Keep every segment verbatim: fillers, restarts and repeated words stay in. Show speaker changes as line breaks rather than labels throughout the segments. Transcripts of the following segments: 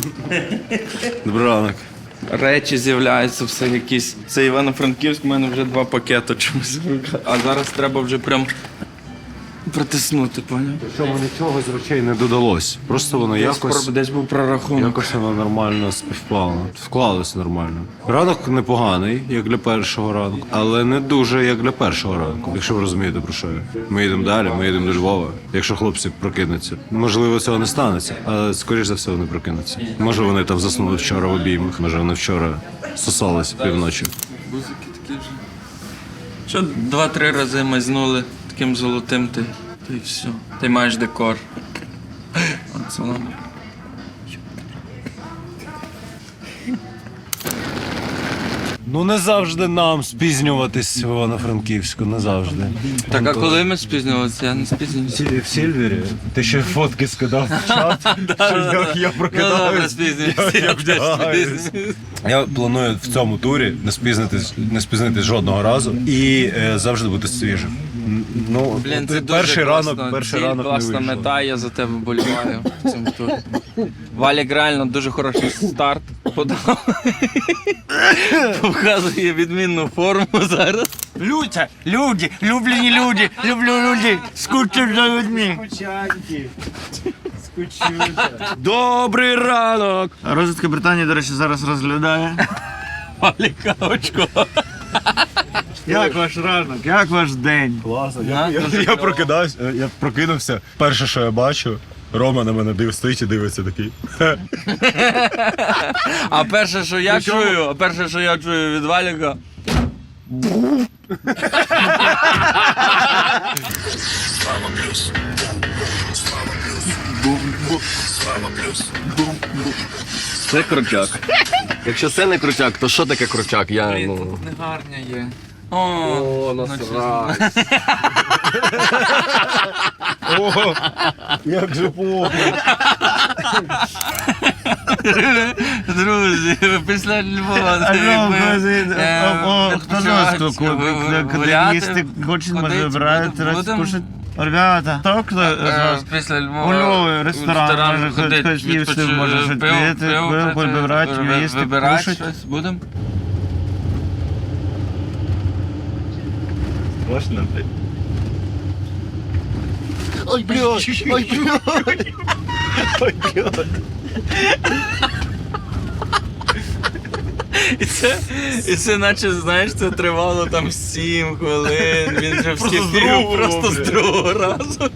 Добрий ранок.
Речі з'являються, все якісь. Це Івано-Франківськ, у мене вже два пакети чомусь в руках. А зараз треба вже прям притиснути, поняв?
Чому нічого з речей не додалось. Просто воно
Десь,
якось,
десь був прорахунок.
якось воно нормально співпало. Вклалось нормально. Ранок непоганий, як для першого ранку, але не дуже, як для першого ранку, якщо ви розумієте, про що я. Ми їдемо далі, ми їдемо до Львова. Якщо хлопці прокинуться. Можливо, цього не станеться, але, скоріш за все, вони прокинуться. Може, вони там заснули вчора в обіймах, може, вони вчора сосалися півночі.
Бузики такі вже. Що два-три рази мазнули таким золотим, ти, ти все. Ти маєш декор. Оце воно.
Ну не завжди нам спізнюватись в Івано-Франківську, не завжди.
Так, а коли ми спізнювалися? Я не спізнювався.
В Сільвері? Ти ще фотки скидав в чат, що я прокидаюсь. Я планую в цьому турі не спізнитись, не спізнитись жодного разу і е, завжди бути свіжим. Ну,
Блін, це
перший
дуже
ранок,
класно.
перший
Ціль,
ранок не
класна
вийшло.
мета, я за тебе боліваю в цьому турі. Валік реально дуже хороший старт подав. Показує відмінну форму зараз.
Люди, люди, люблені люди, люблю люди, скучу за людьми.
Добрий ранок!
Розвідка Британії, до речі, зараз розглядає.
Валіка очко.
Як ваш ранок, як ваш день?
Класно. Я, я, я прокидаюсь, е, я прокинувся. Перше, що я бачу, Рома на мене див, стоїть і дивиться такий.
А перше, що я чую, а перше, що я чую від Валіка.
Це крутяк. Якщо це не крутяк, то що таке крутяк? Я,
Блін,
ну...
тут негарня є. О,
О, насрать.
О, як же плохо.
друзі, після Львова.
Алло,
ви,
друзі,
е,
о, о, хто
відпочиваєте,
нас тут?
ви- ви
Куди
гуляти,
їсти хочуть, може
ходити,
вибирають,
будем-
раз
будем?
кушать. Ребята, хто хто з
Е,
вас?
Після
У
Львова.
Львові ресторан, може
ходити,
хоч їсти,
відпочи-
може щось
пиво-
пити,
пиво
пиво
пити,
вибирати,
ви-
їсти,
вибирати
кушать.
щось будемо?
Можна?
Ой, блядь, ой, блядь.
Ой, блядь.
І це, і це наче, знаєш, це тривало там сім хвилин, він вже вскипів просто з другого разу.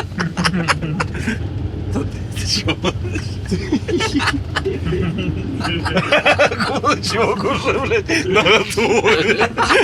Та ти чого?
Кулачок уже, блядь, на готові.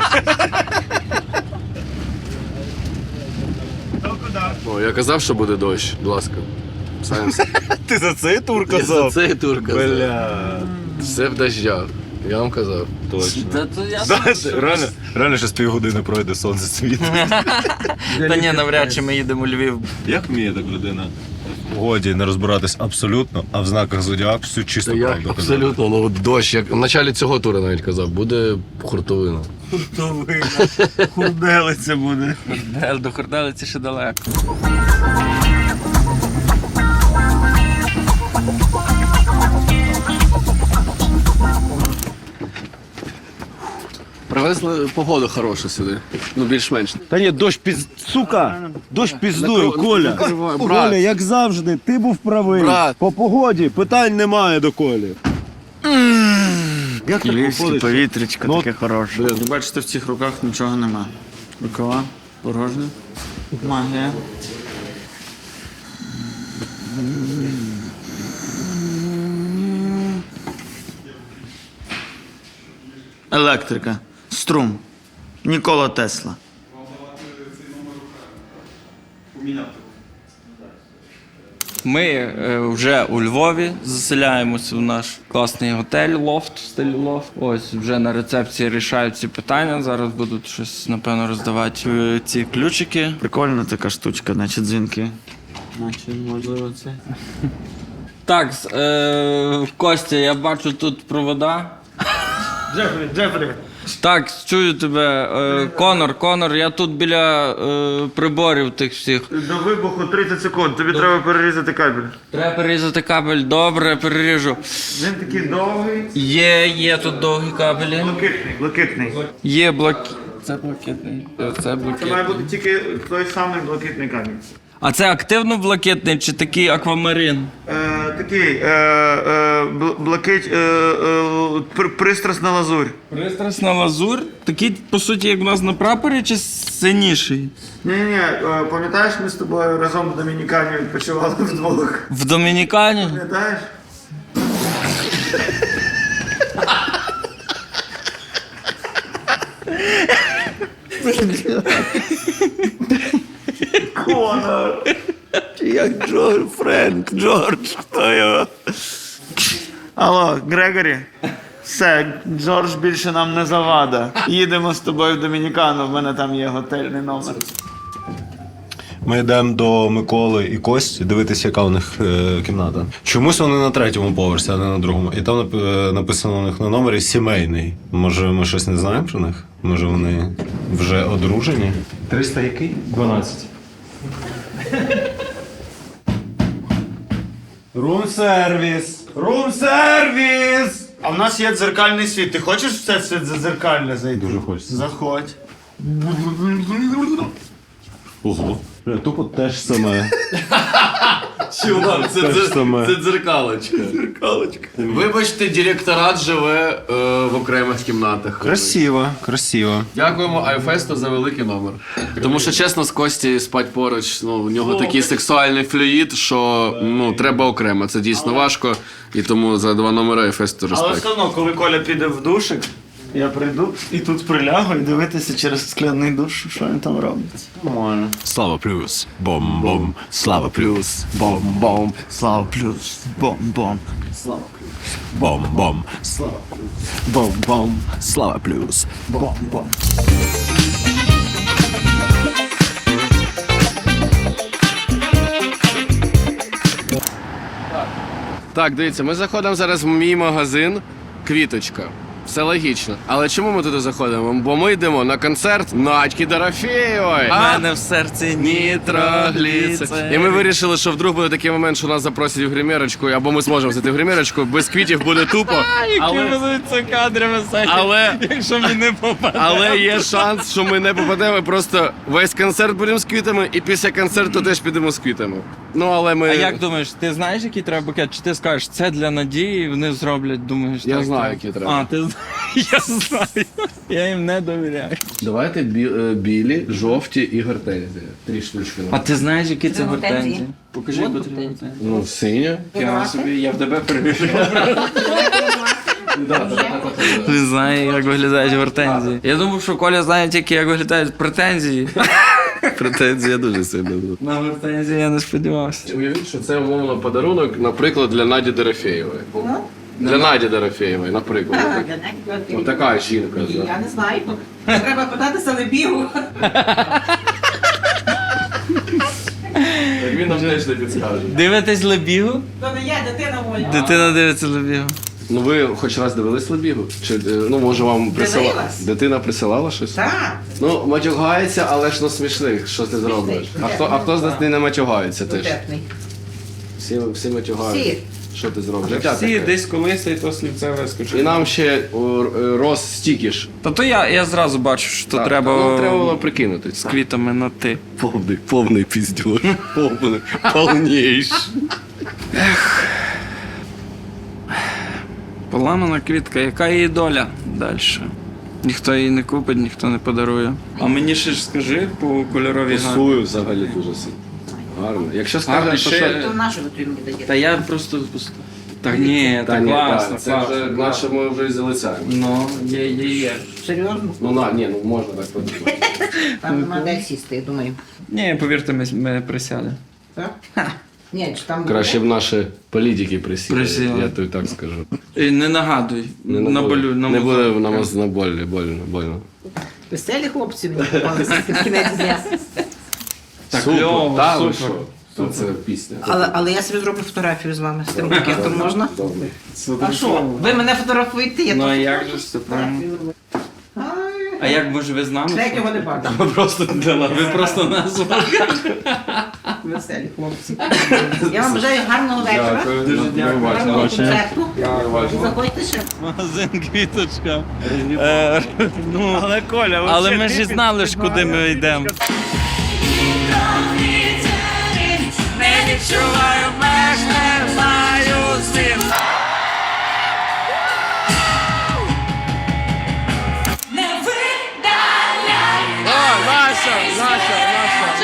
О, я казав, що буде дощ, будь ласка. Сайнс.
Ти за цей тур
Я за
казав?
цей тур казав.
Бля.
Все в дождях. Я вам казав.
Точно.
Та то я
Знаєш, реально, реально ще з півгодини пройде сонце світить.
Та ні, навряд чи ми їдемо у Львів.
Як вміє так людина? В годі не розбиратись абсолютно, а в знаках зодіаку всю чисту
Я
правду казати.
абсолютно, ну от дощ, як в началі цього туру навіть казав, буде хуртовина.
Хуртовина, хурделиця буде.
Е, До Хорделиці ще далеко.
Привезли погоду хорошу сюди. Ну, більш-менш.
Та ні, дощ піз... Сука! Дощ піздує,
Накрив-
Коля.
накривай, брат.
Коля, як завжди, ти був правий.
Брат.
По погоді питань немає до Колі. Як так
Львівське
виходить?
повітрячко
Ну,
таке хороше. Ви бачите, в цих руках нічого нема. Рукава порожня. Магія. Електрика. Струм. Нікола Тесла.
Ми е, вже у Львові заселяємося в наш класний готель, лофт, в стилі лофт. Ось вже на рецепції рішають ці питання. Зараз будуть щось, напевно, роздавати е, ці ключики.
Прикольна така штучка, значить дзвінки. Значить, можливо, це.
Так, з- е, Костя, я бачу тут провода.
Джефрі, Джефрі,
Так, чую тебе. Е, Конор, Конор, я тут біля е, приборів тих всіх.
До вибуху тридцять секунд, тобі треба перерізати кабель.
Треба перерізати кабель, добре, переріжу.
Він такий довгий.
Є, є тут довгі кабелі.
Блакитний, блакитний.
Є блаки... Це блакитний. Це
Це має
блакитний.
бути тільки той самий блакитний кабель.
А це активно блакитний чи такий аквамарин?
Е, такий, е, е, бл- блакить, е, е, пр- пристрасна лазурь.
Пристрасна лазур? Такий, по суті, як у нас на прапорі, чи синіший?
Ні-ні, е, пам'ятаєш, ми з тобою разом в Домінікані відпочивали вдвох?
В Домінікані?
Пам'ятаєш? Конор!
Як Джордж, Френк, Джордж, хто його?
Алло, Грегорі. Все, Джордж більше нам не завада. Їдемо з тобою в Домінікану, в мене там є готельний номер.
Ми йдемо до Миколи і Кості дивитися, яка у них е, кімната. Чомусь вони на третьому поверсі, а не на другому. І там нап- е, написано у них на номері сімейний. Може, ми щось не знаємо про них? Може, вони вже одружені? триста який? дванадцять. Рум-сервіс! Рум-сервіс!
А в нас є дзеркальний світ. Ти хочеш в це все дзеркальне зайти?
Дуже хочеться.
Заходь.
Ого. Бля, тупо те ж саме.
Чувак, це,
Те ж саме.
це дзеркалочка. Дзеркалочка. Вибачте, директорат живе е, в окремих кімнатах.
Красиво, красиво.
Дякуємо Айфесту за великий номер. Тому що, чесно, з Кості спать поруч, ну, у нього такий сексуальний флюїд, що ну, треба окремо. Це дійсно важко, і тому за два номери Айфесту
Але
респект.
все одно, коли Коля піде в душик, я прийду і тут прилягу і дивитися через скляний душ, що він там робить.
Нормально. Слава плюс. Бом-бом. Слава плюс. Бом-бом.
Слава плюс. Бом-бом.
Бом-бом. Слава плюс. Бом-бом. Слава плюс.
Бом-бом.
Так, дивіться, ми заходимо зараз в мій магазин Квіточка. Все логічно. Але чому ми туди заходимо? Бо ми йдемо на концерт Надьки Дорофєєвої.
У мене в серці
Нітрогліцин. І ми вирішили, що вдруг буде такий момент, що нас запросять в гримерочку, або ми зможемо зайти в гримерочку, без квітів буде тупо. Але,
будуть це кадри високі,
але,
якщо мені не попаде.
але є шанс, що ми не попадемо, і просто весь концерт будемо з квітами, і після концерту теж підемо з квітами. Ну, але ми...
А як думаєш, ти знаєш, який треба букет? Чи ти скажеш, це для Надії, вони зроблять, думаєш,
Я
так,
знаю,
так?
які треба.
А, ти знаєш, я знаю. Я їм не довіряю.
Давайте бі- е, білі, жовті і гортензії. Три штучки.
А ти знаєш, які це
Це гортензії.
гортензії? Покажи, будь ласка.
Ну, синя.
Я собі, я в тебе перевіряю. Не знаю, як виглядають гортензії. Я думав, що Коля знає тільки, як виглядають претензії.
Претензія дуже сильна.
На гортензії я не сподівався.
Уявіть, що це умовно подарунок, наприклад, для Наді Дорофєєвої. Для Наді Дорофєєвої, наприклад. Ось така жінка.
Я не знаю. Треба питатися на бігу.
Він нам теж не підскаже.
Дивитесь Лебігу?
То не я, дитина моя.
Дитина дивиться Лебігу.
Ну ви хоч раз дивились Лебігу? Чи, е, ну, може вам присилала?
Дивилась.
Дитина присилала щось?
Так.
Ну, матюгається, але ж ну смішних, що ти зробиш? А хто, а хто з нас не матюгається теж?
Дотепний.
Всі, всі матюгаються.
Всі.
Що ти зробиш? Життя
Всі
таке.
десь колись і то слівце вискочить.
І нам ще о, е, роз стікіш.
Та то я, я зразу бачу, що
Так,
треба,
ну, треба було прикинути.
з квітами на ти.
Повний, повний піздюр. Повний, повніший.
Поламана квітка, яка її доля далі? Ніхто її не купить, ніхто не подарує. А мені ще ж скажи по кольоровій гамі.
Пасую взагалі дуже сильно. Гарно. Якщо
Гарно,
скажеш, що...
ще-
що-
То нашу ви мені даєте.
Та я просто... Та ні,
Та
та
ні,
класно,
так, це
класно.
вже наче ми вже і залицяємо.
Ну, є, є, є.
Серйозно?
Ну на, ні, ну можна так подумати.
Там нема де сісти, я думаю.
Ні, повірте, ми, ми присядемо.
Так? Ха. Ні, чи там...
Краще б наші політики присіли,
Присіли.
я тобі так скажу.
І не нагадуй.
Не,
на
буде-
болю, на
не
мозок.
буде на мозку на болі, больно, больно.
Веселі хлопці мені попалися під кінець дня.
Так,
Супер,
кльово,
та ви
супер.
що? Це пісня.
Але, але я собі зроблю фотографію з вами, з тим букетом можна?
Добре.
А що? Ви мене фотографуєте, я
Ну а
теж
як же ж це правильно?
фотографію зроблю. А,
А як може ви з нами?
Третього не бачу.
Ви просто для нас. Ви просто нас.
Веселі хлопці. Я вам бажаю гарного вечора.
Дякую, дуже дякую.
Гарного концерту.
Дякую.
І заходьте ще.
Магазин квіточка. Е, ну,
Але Коля,
але ми ж і знали ж, куди ми йдемо.
Не відчуваю меж, не знаю змін. Не видаляй.
О, Наша, Наша, Наша.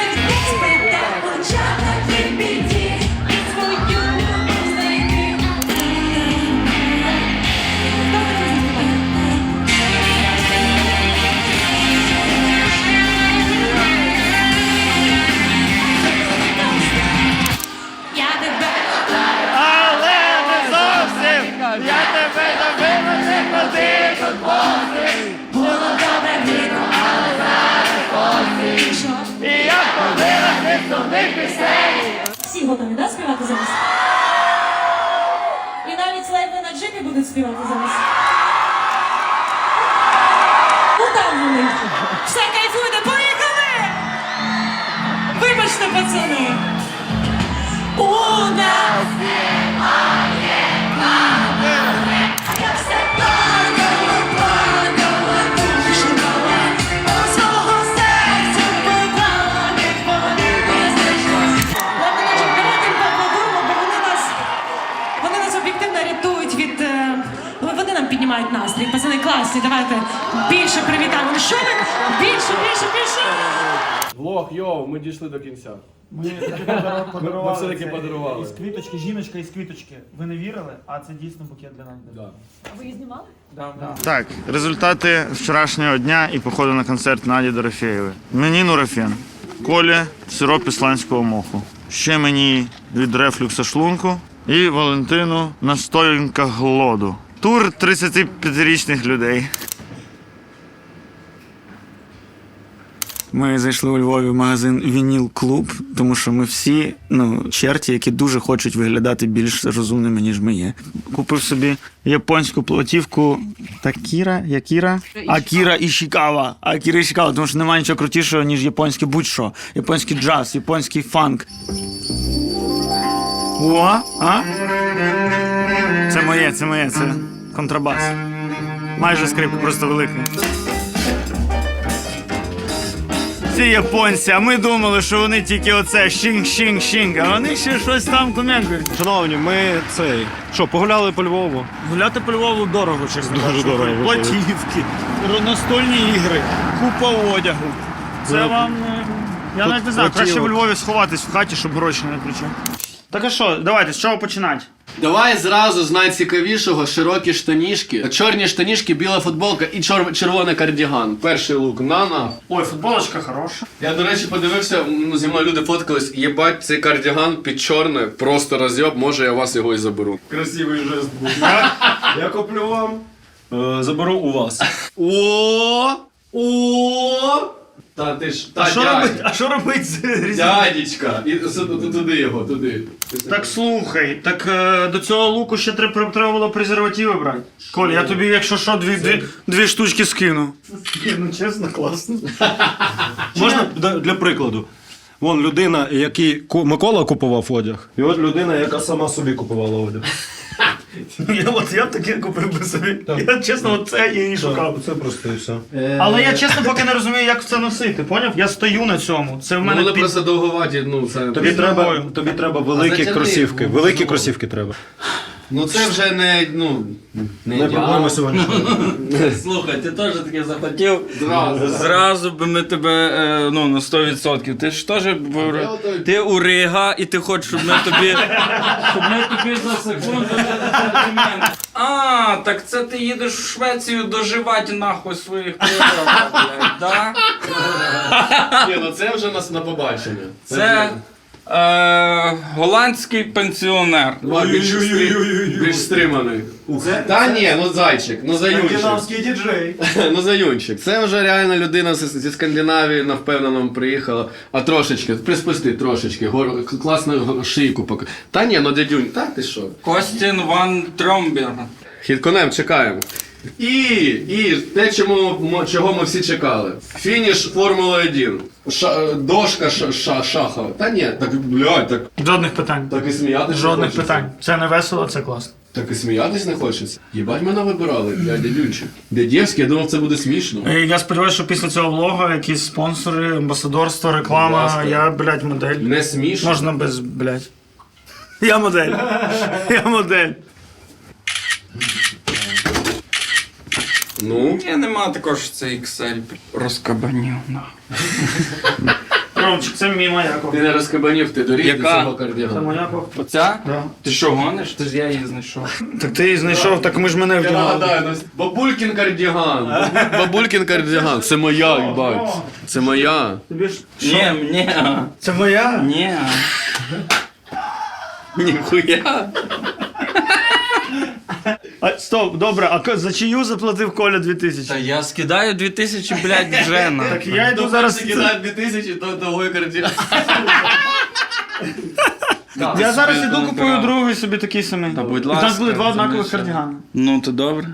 Початок від біді, і свою знайти. Я тебе
Але не зовсім! Я тебе добила, не ходи тут позив!
було добре віку, але зараз посі. Що?
І я ходила від сумних пісень!
Всі готові, да, співати за вас? І навіть ледве на джипі будуть співати за вас. Ну там вони. Все, кайфуйте, поїхали! Вибачте, пацани! У нас немає мами. Я все плакала, плакала, душила. Свого серця поклала, відповіла, знайшла. Ладно, значить, давайте їм поаплодуємо, бо вони нас, вони нас об'єктивно рятують від... е, ну, Вони нам піднімають настрій. Пацани класні, давайте більше привітаємо. Ну що ви? Більше, більше, більше!
Влог, йоу, ми дійшли до кінця.
Ми таки подарували.
Ми все-таки
це
подарували.
Із квіточки, жіночка із квіточки. Ви не вірили, а це дійсно букет для нас.
Да.
А ви її знімали?
Так, результати вчорашнього дня і походу на концерт Наді Дорофєєвої. Мені нурофен, Колі сироп ісландського моху. Ще мені від рефлюкса шлунку і Валентину настоянка глоду. Тур тридцятип'ятирічних людей.
Ми зайшли у Львові в магазин Вініл Клуб, тому що ми всі ну, черті, які дуже хочуть виглядати більш розумними, ніж ми є. Купив собі японську платівку Такіра, Якіра? Акіра Ішікава. Акіра Ішікава, тому що немає нічого крутішого, ніж японське будь-що. Японський джаз, японський фанк. О, а? Це моє, це моє, це контрабас. Майже скрипка, просто велика. Ці японці, а ми думали, що вони тільки оце шінг-шінг-шінг, а вони ще щось там ком'якають.
Шановні, ми цей. Що, погуляли по Львову?
Гуляти по Львову дорого, чесно
Дуже
кажучи.
дорого виходить.
Платівки, настольні ігри, купа одягу. Це
Ну,
вам... е, Я навіть не знаю, краще в Львові сховатись в хаті, щоб гроші не кричати. Так а що, давайте, з чого починати?
Давай зразу з найцікавішого широкі штанішки, чорні штанішки, біла футболка і чор... червоний кардіган. Перший лук Нана.
Ой, футболочка хороша.
Я, до речі, подивився, ну, зі мною люди фоткались, єбать, цей кардіган під чорне, просто розйоб, може я вас його і заберу.
Красивий жест був. Я куплю вам, е, заберу у вас.
О! О! Та ти ж, та
А що
дядь.
робить, а що робить з різницею?
Дядечка. І с- ту- туди його, туди.
Так слухай, так е, до цього луку ще треба, треба було презервативи брати. Коль, я тобі, якщо що, дві, дві, дві штучки скину. Ну чесно, класно.
Можна для, для прикладу? Вон людина, який ку- Микола купував одяг, і от людина, яка сама собі купувала одяг.
Ну, я, от, я б таке купив би собі. Я чесно, от це і шукав.
Це просто і все.
Але я чесно поки не розумію, як це носити, поняв? Я стою на цьому. Це в
Ну,
мене
вони
під...
просто довговаті, ну це.
Тобі
Під
треба,
ногою.
тобі треба великі
затягни,
кросівки.
ну,
Великі
ну.
кросівки треба.
Ну це вже не, ну, не,
Не
ідеал.
проблема сьогоднішнього.
Слухай, ти теж таке захотів.
Зразу.
Зразу би ми тебе е, ну, на сто відсотків. Ти ж теж був-
я ото-
ти у Рига, і ти хочеш, щоб ми тобі. Щоб ми тобі за секунду дали комплімент. А, так це ти їдеш в Швецію доживати нахуй своїх програм, блядь, да?
Ні, ну це вже нас на побачення.
Це е, голландський пенсіонер.
Два більш, стри- більш стриманий. Та ні, ну зайчик, ну заюнчик.
діджей.
Ну заюнчик. Це вже реально людина з- зі Скандинавії на впевненому приїхала. А трошечки, приспусти трошечки, гор, класну шийку поки. Та ні, ну дядюнь, та ти що?
Костін Ван Тромбер.
Хід-конем чекаємо. І, і те, чому, мо- чого ми всі чекали. Фініш Формули один. Ша, дошка ша, ша, шахова. Та ні, так, блядь, так,
Жодних питань.
так і сміятись
Жодних
не хочеться.
питань. Це не весело, це класно.
Так і сміятись не хочеться. Єбать, мене вибирали, блядь, дядюнчик. Дядєвський, я думав, це буде смішно.
Е, Я сподіваюся, що після цього влога якісь спонсори, амбасадорство, реклама,
Будь ласка.
я, блядь, модель.
Не смішно.
Можна без, блядь. Я модель. Я модель.
Ну,
Ні, нема такого, що це ікс ель розкабанів. на.
Ромчик, це мій Маяков.
ти не розкабанів, ти доріг до
Яка?
цього
Це
кардігану.
Маяков.
Оця?
Да.
Ти що, гониш? Ти ж я її знайшов.
Так ти її знайшов, так ми ж мене
Я
вдягали.
нагадаю, ну, Бабулькін кардіган. Бабу- Бабулькін кардіган. Це моя, їбать. Це моя.
Тобі ж...
Ні, ні,
Це моя?
ні. Ніхуя.
А, стоп, добре, а ко- за чию заплатив Коля дві тисячі?
Та я скидаю дві тисячі, блядь, вже на.
Так я йду зараз...
кидає дві тисячі, то того кардіган.
Я зараз іду купую другий собі такий самий.
Та будь
У нас
ласка,
буде два однакових
знаєш,
кардігани.
Ну, то добре.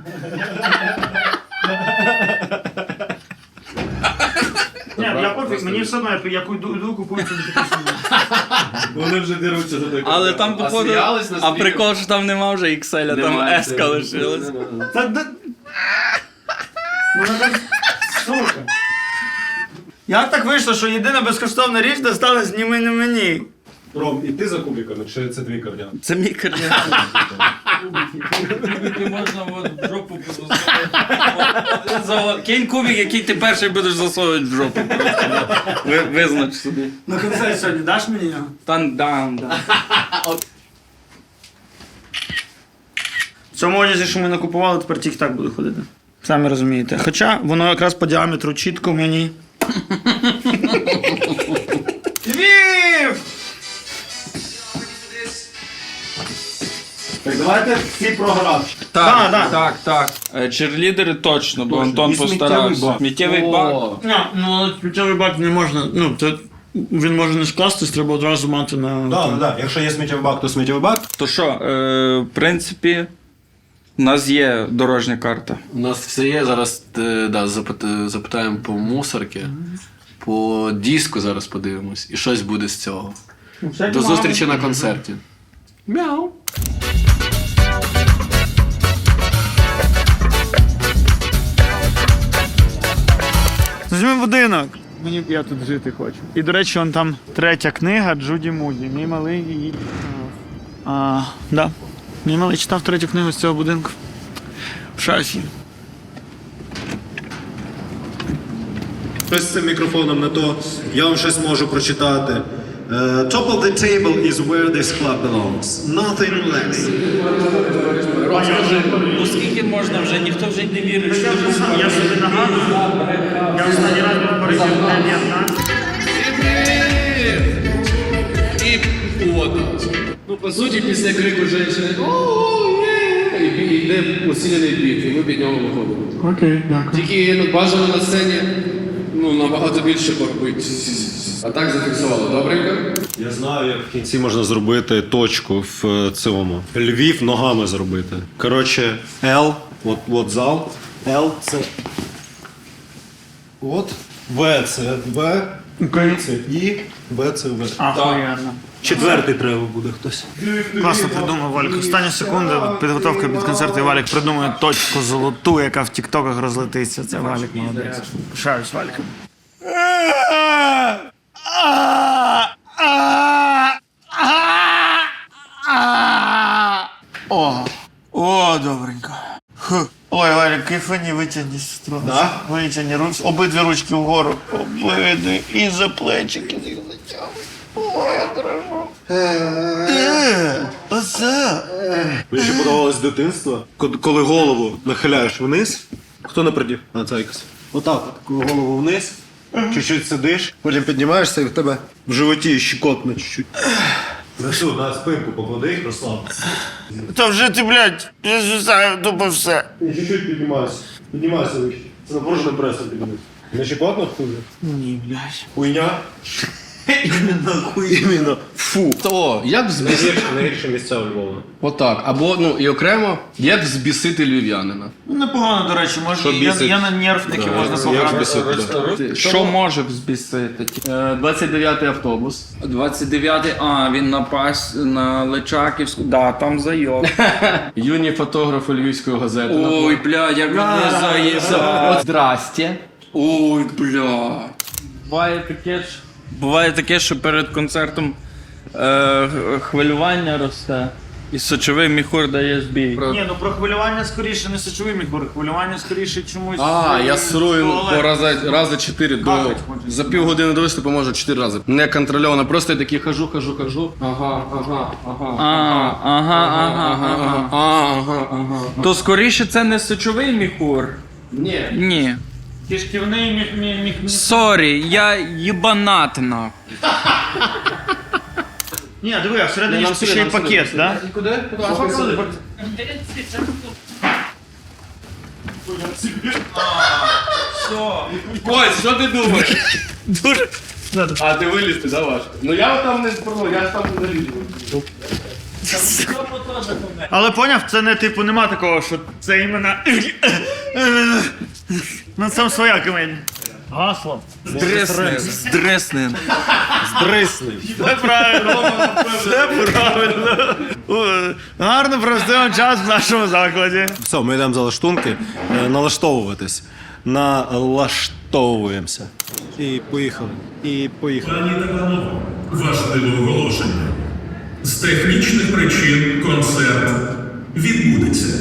Ні, я пофіг, мені все одно, я йду, йду купую собі такий самий.
Вони вже деруться за той
Але там,
А
походу,
сміялись на
а
стрімі?
прикол, що там нема вже ікс ель, а там
Немає,
еска
це-
лишилась.
Та да... Ну, так, сука. Як так вийшло, що єдина безкоштовна річ досталась ні мені, ні мені?
Ром, і ти за кубиками, чи це твій кардіан?
Це мій кардіан. Кубики можна от в жопу засовувати. Кинь кубик, який ти перший будеш засовувати в жопу. Ви- Визнач собі.
На концерт сьогодні даш мені його?
Там дам, да.
В цьому одязі, що ми накупували, тепер тільки так буду ходити. Самі розумієте. Хоча воно якраз по діаметру чітко мені. Львів!
Так давайте всі програв.
Так,
Да, да.
так, так. Е, Черлідери точно, бо Антон
І сміттєвий
постарався.
бак.
Сміттєвий бак.
О,
Ні, ну але сміттєвий бак не можна. Ну, це він може не скластись, треба одразу мати на.
Так, так. Якщо є сміттєвий бак, то сміттєвий бак.
То що, е, в принципі, у нас є дорожня карта.
У нас все є, зараз е, да, запит- запитаємо по мусорки, по диску зараз подивимось, і щось буде з цього.
Ну, всякі
До
мами.
зустрічі на концерті. Мяу.
Візьми будинок. Мені я тут жити хочу. І до речі, он там третя книга Джуді Муді. Мій малий її. А, да. Мій малий читав третю книгу з цього будинку. В шафі.
Щось з цим мікрофоном не то. Я вам щось можу прочитати. Е, Top of the table is where this club belongs. Nothing less.
Ну скільки можна вже, ніхто вже й не вірить, що
Я собі нагадую. Я останній раз був в Парижі в дев'ятнадцять.
І вода. Ну, по суті, після крику жінки йде усилений біт, і ми під нього виходимо.
Окей, дякую.
Тільки ну, бажано на сцені ну, набагато більше порбити. А так зафіксувало, добренько?
Я знаю, як в кінці можна зробити точку в е, цьому. Львів ногами зробити. Коротше, L, от, от зал. L це. От. В це В. Це І. В це В.
Ахуєнно.
Четвертий треба буде хтось.
Класно придумав Валік. Останні секунди підготовка під концерт, і Валік придумує точку золоту, яка в тіктоках розлетиться. Це Валік молодець. Пишаюсь Валіком. О, о, добренько. Ху. Ой, Валік, кайфані, витягни сестру.
Да?
Витягни руч, обидві ручки вгору. Обидві. І за плечики їх затягуй. Ой, я дрожу. Е, оце.
Мені ще подобалось з дитинства, ко- коли голову нахиляєш вниз. Хто напередів? А, це якось. Отак, от, коли голову вниз, чуть-чуть сидиш, потім піднімаєшся і в тебе в животі щекотно чуть-чуть. Несу, на спинку поклади їх, розслаб.
Та вже ти, блядь, я звисаю тупо все.
І чуть-чуть піднімайся. Піднімайся вище. Це напруженим пресом піднімайся. Не щекотно хуже?
Ні, блядь.
Хуйня.
Іменно. Фу.
То, як взбісити?
Найгірше місця у Львова.
Отак. Або, ну, і окремо, як взбісити львів'янина.
Ну, непогано, до речі, можна. Я,
бісить?
я на нервники можна пограти.
Що може взбісити?
Е, двадцять дев'ятий автобус.
двадцять дев'ятий, а, він на пас на Личаківську. Да, там зайоб.
Юні фотографи Львівської газети.
Ой, бля, як вони заїбали.
Здрасте.
Ой, бля. Буває таке ж. Буває таке, що перед концертом е, хвилювання росте. І сочовий міхур дає збій.
Ні, ну про хвилювання скоріше не сочовий міхур, хвилювання скоріше чомусь.
А, я срую
туалет.
по рази, рази чотири до
Капать хочеться.
за півгодини до виступу можу чотири рази. Неконтрольовано. Просто я такий хожу, хожу, хожу. Ага, ага, ага.
А, ага, ага, ага.
Ага, ага.
То скоріше це не сочовий міхур.
Ні.
Ні.
Кишківний міг міг міг. міг-
Сорі, я їбанат нахуй.
Ні, диви, а всередині
Нам
ж
сюди,
ще й
нам сюди,
пакет,
сюди.
да?
Куди? Куди? Ось, що ти думаєш?
Дуже.
А ти вилізти, да, важко? Ну я там не спробую, я ж там не залізу.
Але поняв, це не типу нема такого, що це іменно. Ну це своя комедія. Гасло.
Здрисни. Здрисни.
Здрисни.
Все правильно. Все правильно. О, гарно проведемо час в нашому закладі.
Все, ми йдемо за лаштунки, е, налаштовуватись. Налаштовуємося. І поїхали. І поїхали.
Пані та панове, важливе оголошення. З технічних причин концерт відбудеться.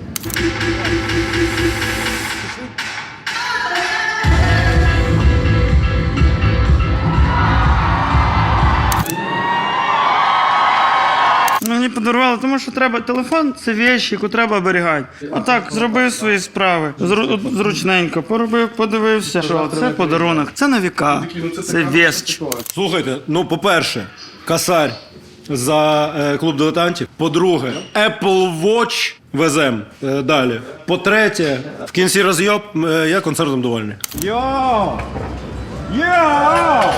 Мені подарували, тому що треба телефон це вещь, яку треба оберігати. Отак, зробив свої справи. Зру- зручненько, поробив, подивився. Що це подарунок. Це на віка. Це вещь.
Слухайте, ну, по-перше, косарь за е, клуб дилетантів. По-друге, Apple Watch везем е, далі. По-третє, в кінці розйоб, е, я концертом довольний. Йоу! Йоу!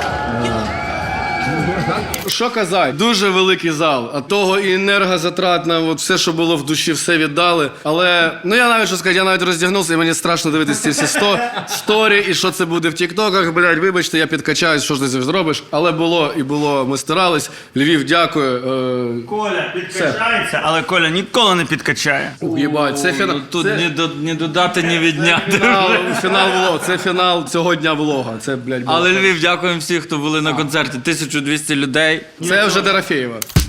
Що казати? Дуже великий зал, а того і енергозатратно, от все, що було в душі, все віддали. Але, ну я навіть що сказати, я навіть роздягнувся, і мені страшно дивитися ці всі сто, сторі, і що це буде в тіктоках, блядь, вибачте, я підкачаюсь, що ж ти зробиш. Але було і було, ми старались. Львів, дякую. Е,
Коля підкачається, але Коля ніколи не підкачає.
Єбать, це фінал.
Тут
це
ні, до, ні додати, ні відняти.
фінал, фінал влога, це фінал цього дня влога. Це, блядь, було.
Але Львів, дякуємо всім, хто були на концерті. тисяча двісті людей.
Це вже Дорофєєва.